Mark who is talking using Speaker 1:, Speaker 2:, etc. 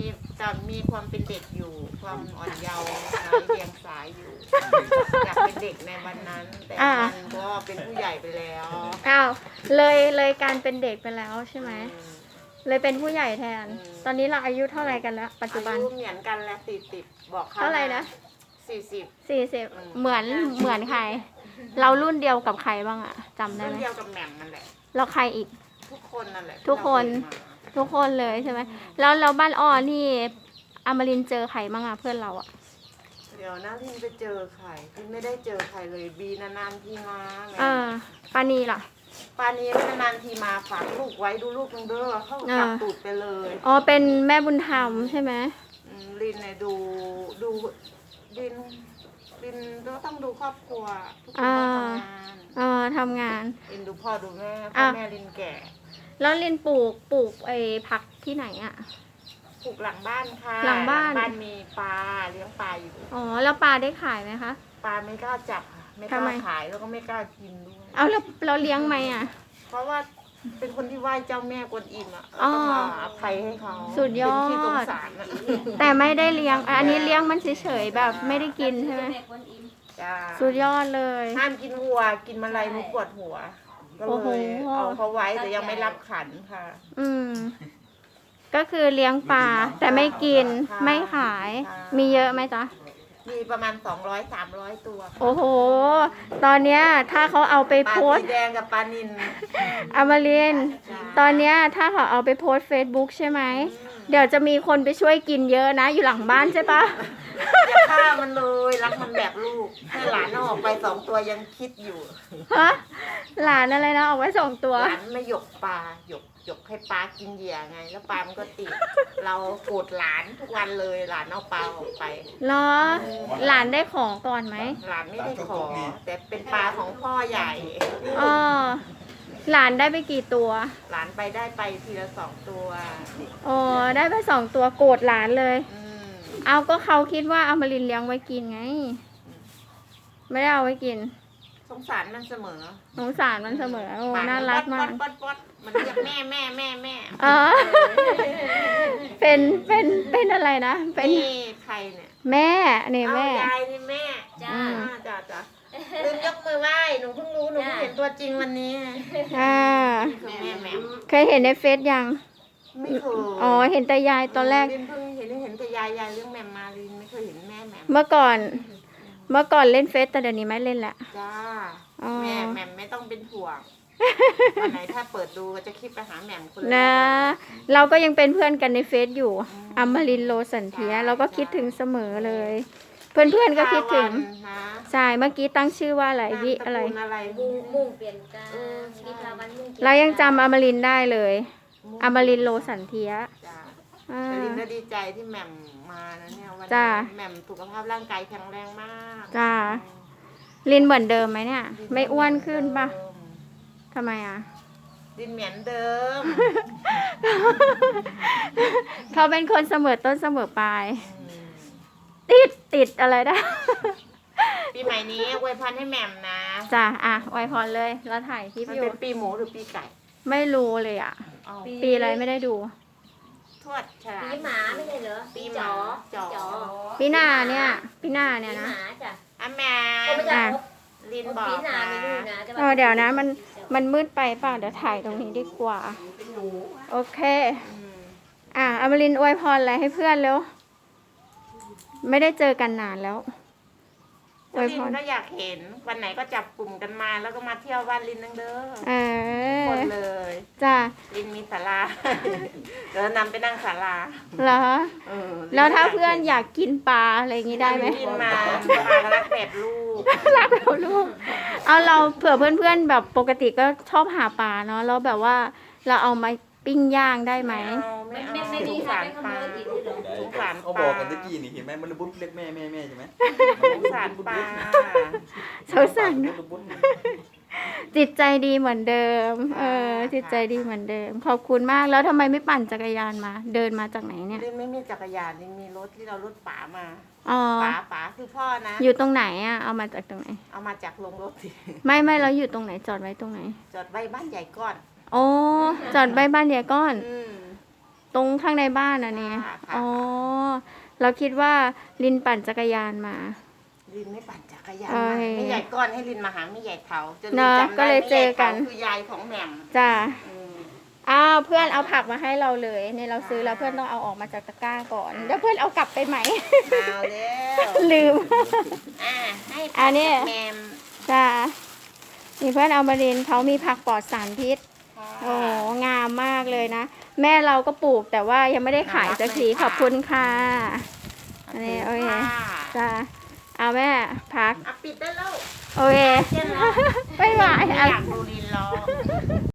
Speaker 1: มีความเป็นเด็กอยู่ ความอ่อนเยาว์ไร้เดียงสาอยู่อยากเป็นเด็กในวันนั้น แต่มันก็เป็นผู้ใหญ่ไปแล้ว
Speaker 2: อ้าวเลยการเป็นเด็กไปแล้วใช่ไหมเลยเป็นผู้ใหญ่แทน ตอนนี้เราอายุเท่าไหร่กันแล้วปัจจุบัน
Speaker 1: อายุเหมือนกันแล้ว40บอกเขา
Speaker 2: เท่าไหร่นะ
Speaker 1: 40
Speaker 2: เหมือนใคร เรารุ่นเดียวกับใครบ้างอะจำได้
Speaker 1: รุ่
Speaker 2: ไห
Speaker 1: น
Speaker 2: ม
Speaker 1: เดียวกับแหม่มนั่นแหละ
Speaker 2: แล้วใครอีก
Speaker 1: ทุกคนนั่นแหละ
Speaker 2: ทุกคน ทุกคนเลยใช่ไหมแล้วบ้านอ้อนี่อมรินทร์เจอใครบ้างอะเพื่อนเราอะ
Speaker 1: เดี๋ยวนะพี่ไปเจอใครพี่ไม่ได้เจอใครเลยบีนานๆทีมาแหม่
Speaker 2: ปานีล่ะ
Speaker 1: ปานี้นานๆทีมาฝากลูกไว้ดูลูกนึงเด้อเข้ากลับตูดไปเลย
Speaker 2: อ๋อเป็นแม่บุญธรรมใช่ไหม
Speaker 1: ลินเนี่ยดูลินก็ต้องดูครอบครัวทุกคนต้องทำงาน
Speaker 2: ทำงาน
Speaker 1: ลินดูพ่อดูแม่พ่อแม่ลินแก่
Speaker 2: แล้วลินปลูกไอ้ผักที่ไหนอะ
Speaker 1: ปลูกหลังบ้านค่ะ
Speaker 2: หลังบ้าน
Speaker 1: มีปลาเลี้ยงปลาอยู่
Speaker 2: อ๋อแล้วปลาได้ขายไหมคะ
Speaker 1: ปลาไม่กล้าจับค่ะไม่ก
Speaker 2: ทำ
Speaker 1: ล้า
Speaker 2: ไม
Speaker 1: ขายแล้วก็ไม่กล้ากินด้วย
Speaker 2: เอาแล้วเราเลี้ยงไหมอะ
Speaker 1: เพราะว่าเป็นคนที่ไหว้เจ้าแม่กวนอิมอ่ะเราต้องมาอภัยให้เขา
Speaker 2: สุดยอด
Speaker 1: เป็นที่สงสารนะ
Speaker 2: แต่ไม่ได้เลี้ยง อันนี้เลี้ยงมันเฉยๆแบบไม่ได้กินใช่ไหม
Speaker 1: จ้า
Speaker 2: สุดยอดเลย
Speaker 1: ห้ามกินวัวกินแมลงมันปวดหัว ก็
Speaker 2: โอ้โห
Speaker 1: เลยเอาเขาไว้แต่ยังไม่รับขันค่ะ
Speaker 2: ก็คือเลี้ยงปลาแต่ไม่กินไม่ขาย มีเยอะไหมจ๊ะ
Speaker 1: มีประมาณ200-300 ตัวค่ะ
Speaker 2: โอ้โห ตอนเนี้ยถ้าเขาเอาไป
Speaker 1: ปลา
Speaker 2: โพส
Speaker 1: สี
Speaker 2: ต์
Speaker 1: แดงกับปลานิล
Speaker 2: อมรินทร์ตอนเนี้ยถ้าเขาเอาไปโพสเฟซบุ๊กใช่ไหม เดี๋ยวจะมีคนไปช่วยกินเยอะนะ อยู่หลังบ้านใช่ปะ
Speaker 1: อย่าฆ่ามันเลยรักมันแบบลูกให้หลานเอาออกไป2 ตัวยังคิดอยู่
Speaker 2: ฮะหลานอะไรนะเอาไว้2 ตัว
Speaker 1: หลานไม่หยกปลาหยกให้ปลากินเหยื่อไง แล้วปลามันก็ติด เราโกรธหลานทุกวันเลยหลานเอาปลาออกไป
Speaker 2: เหรอ หลานได้ของก่อนไหม
Speaker 1: หลานไม่ได้ขอ แต่เป็นปลาของพ่อใหญ่
Speaker 2: อ๋อหลานได้ไปกี่ตัว
Speaker 1: หลานได้ไปทีละ2 ตัว
Speaker 2: อ๋อได้ไป2 ตัวโกรธหลานเลย
Speaker 1: อืม
Speaker 2: เอาก็เขาคิดว่าอมรินทร์เลี้ยงไว้กินไง ไม่ได้เอาไว้กิน
Speaker 1: สงสารมันเสมอ
Speaker 2: สงสารมันเสมอโอ้
Speaker 1: ป
Speaker 2: น่ารักมาก
Speaker 1: ป๊ดมันเรียกแม่
Speaker 2: อ๋อ เป็นอะไรนะ เป็น
Speaker 1: นี่ใครเนี่ย
Speaker 2: แม่นี่
Speaker 1: เอา
Speaker 2: แม่
Speaker 1: ยายนี่แม่
Speaker 3: จ้า
Speaker 1: จ้าลืมยกมือไหว้หนูเพิ่งรู้หนูเพิ่งเห็นตัวจริงวันนี้
Speaker 2: อ่า
Speaker 1: คือแม่แหม่ม
Speaker 2: เคยเห็นในเฟซยัง
Speaker 1: ไม่เคย
Speaker 2: อ๋อ เห็นแต่ยายตอนแรก
Speaker 1: ลินเพิ่งเห็นแต่ยายเรื่องแหม่มมาลินไม่เคยเห็นแม่แหม่ม
Speaker 2: เมื่อก่อน เล่นเฟซแต่เดี๋ยวนี้ไม่เล่นละ
Speaker 1: จ้า
Speaker 2: อ๋อ
Speaker 1: แม่แหม่มไม่ต้องเป็นห่วงวันไหนถ้าเปิดดูก็จะคลิปไปหาแหม่มคนละ
Speaker 2: นะ เราก็ยังเป็นเพื่อนกันในเฟซอยู่อมรินทร์โลสันเทียเราก็คิดถึงเสมอเลย เพื่อนๆก็คิดถึง
Speaker 1: นะ
Speaker 2: ใช่ เมื่อกี้ตั้งชื่อว่าอะไรวิอะไร
Speaker 1: นามสกุลอะไร
Speaker 3: มุ่งเปลี่ยนกาวิภาวันมุ่ง
Speaker 2: เรายังจำอมรินทร์ได้เลย อมรินทร์โลสันเทีย
Speaker 1: จ้า
Speaker 2: อ่า
Speaker 1: แต่ลินก็ดีใจที่แหม่มมานะเนี่ยวัน
Speaker 2: จ้า
Speaker 1: นี้แหม่มสุขภาพร่างกายแข็งแรงมาก
Speaker 2: จ้า ลินเหมือนเดิมไหมเนี่ย ไม่อ้วนขึ้นปะทำไมอ่ะ
Speaker 1: ลินเหมือนเดิม
Speaker 2: เขาเป็นคนเสมอต้นเสมอปลาย ติดอะไรได้
Speaker 1: ปีใหม่นี้อวยพรให้แหม่มนะ
Speaker 2: จ้าอ่ะไวยพรเลย เราถ่ายคลิป
Speaker 1: มัน
Speaker 2: อยู่
Speaker 1: เป็นปีหมูหรือปีไก่
Speaker 2: ไม่รู้เลยอ่ะ
Speaker 1: อ๋อ
Speaker 2: ปีอะไรไม่ได้ดู
Speaker 1: ทวดฉลา
Speaker 3: ปี
Speaker 1: ด
Speaker 3: หมาไม่ใช่เหรอ
Speaker 1: ปี
Speaker 3: ปี
Speaker 1: หมา
Speaker 3: จ๋อ
Speaker 1: จ๋อ
Speaker 2: ปีหน้าเนี่ยปีหน้า
Speaker 3: ปี
Speaker 2: เนี่ย
Speaker 3: ห
Speaker 2: นะ
Speaker 3: มาจ้ะ
Speaker 1: อ่ะแหม่
Speaker 3: ก็ไม่
Speaker 1: ม
Speaker 3: ใช่
Speaker 1: ลินบอก
Speaker 3: ปีหนา
Speaker 1: นะ
Speaker 3: มีลูกนะแต่
Speaker 2: เดี๋ยวนะมันมืดไปเปล่ะเดี๋ยวถ่ายตรงนี้ดีกว่า โอเค
Speaker 1: อืม
Speaker 2: อมรินทร์อวยพรอะไรให้เพื่อนเร็ว ไม่ได้เจอกันนานแล้ว อวย
Speaker 1: ลิ
Speaker 2: พ
Speaker 1: น
Speaker 2: ร
Speaker 1: ก็อยากเห็นวันไหนก็จับกลุ่มกันมาแล้วก็มาเที่ยวบ้านลินนังเด้อ
Speaker 2: เอ
Speaker 1: ค
Speaker 2: อน
Speaker 1: เลย
Speaker 2: จ้า
Speaker 1: ลินมีศาลา เดี๋ยวนำไปนั่งศาลา
Speaker 2: เหรอ
Speaker 1: เออ
Speaker 2: แล้วถ้าเพื่อนอยากกินปลาอะไรอย่างนี้ได้ไหม
Speaker 1: ลินมาปลารักแบบลูก
Speaker 2: รักเราลูก เอาเราเผื่อเพื่อนๆแบบปกติก็ชอบหาปลาเนาะแล้วแบบว่าเราเอามาปิ้งย่างได้ไหม
Speaker 1: ไม่เอา
Speaker 3: ไม่
Speaker 1: ส
Speaker 3: มี
Speaker 1: ง
Speaker 3: ใคร
Speaker 1: สาร
Speaker 3: ไปข
Speaker 1: ป
Speaker 3: โม
Speaker 1: ลาย
Speaker 3: ติดด้วยเหรอ
Speaker 1: สงสาร
Speaker 4: เขา
Speaker 1: ป
Speaker 4: บ
Speaker 1: ลา
Speaker 4: อกกันตะกี้นี่เห็นไหมมันระบุดเรียกแม่ใช่ไหม
Speaker 1: สงสารปลา
Speaker 2: สงสาร
Speaker 4: ระบุด
Speaker 2: จิตใจดีเหมือนเดิม จิตใจดีเหมือนเดิม ขอบคุณมาก แล้วทำไมไม่ปั่นจักรยานมา เดินมาจากไหนเนี่ย
Speaker 1: ลินไม่มีจักรยานลินมีรถที่เรารถป๋ามา
Speaker 2: อ๋อ
Speaker 1: ป๋าคือพ่อนะ
Speaker 2: อยู่ตรงไหนอ่ะ เอามาจากตรงไหน
Speaker 1: เอามาจากโรงรถสิ
Speaker 2: ไม่เราอยู่ตรงไหน จอดไว้ตรงไหน
Speaker 1: จอดไว้บ้านใหญ่ก่อน
Speaker 2: โอ้จอดไว้บ้านยายก้อน
Speaker 1: อืม
Speaker 2: ตรงข้างในบ้านอ่ะเนี่ย
Speaker 1: ค่ะ
Speaker 2: อ๋อ เราคิดว่าลินปั่นจักรยานมา
Speaker 1: ลินไม่ปั่นจักรยาน
Speaker 2: โอ้
Speaker 1: มาย ไม่ใหญ่ก้อนให้ลินมาหาไม่ใหญ่เถาจนลิ
Speaker 2: เนอะ
Speaker 1: จำได้
Speaker 2: ก็เลยเจอกัน
Speaker 1: ไม่ใหญ่เถาคือยายของแหม่ม
Speaker 2: จ้า
Speaker 1: อืม
Speaker 2: อ้าวเพื่อนเอาผักมาให้เราเลยเนี่ยเราซื้อแล้วเพื่อนต้องเอาออกมาจากตะกร้าก่อนเดี๋ยวเพื่อนเอากลับไปไหม
Speaker 1: เอาแล้ว
Speaker 2: ลืม
Speaker 1: ให้
Speaker 2: อันนี้
Speaker 1: แหม่ม
Speaker 2: จ้านี่เพื่อนเอามาเรียนเขามีผักปลอดสารพิษ
Speaker 1: ค่ะ
Speaker 2: โอ้โหงามมากเลยนะ แม่เราก็ปลูกแต่ว่ายังไม่ได้ขายสักทีขอบคุณค่ะ อันนี้โอเค
Speaker 1: ค่ะ
Speaker 2: จ้าเอาแม่พัก
Speaker 1: ปิดได้แล้ว
Speaker 2: โอเค
Speaker 1: เช่นแล้ว
Speaker 2: บ๊ายบาย
Speaker 1: ไม่อยากดูลินร้อง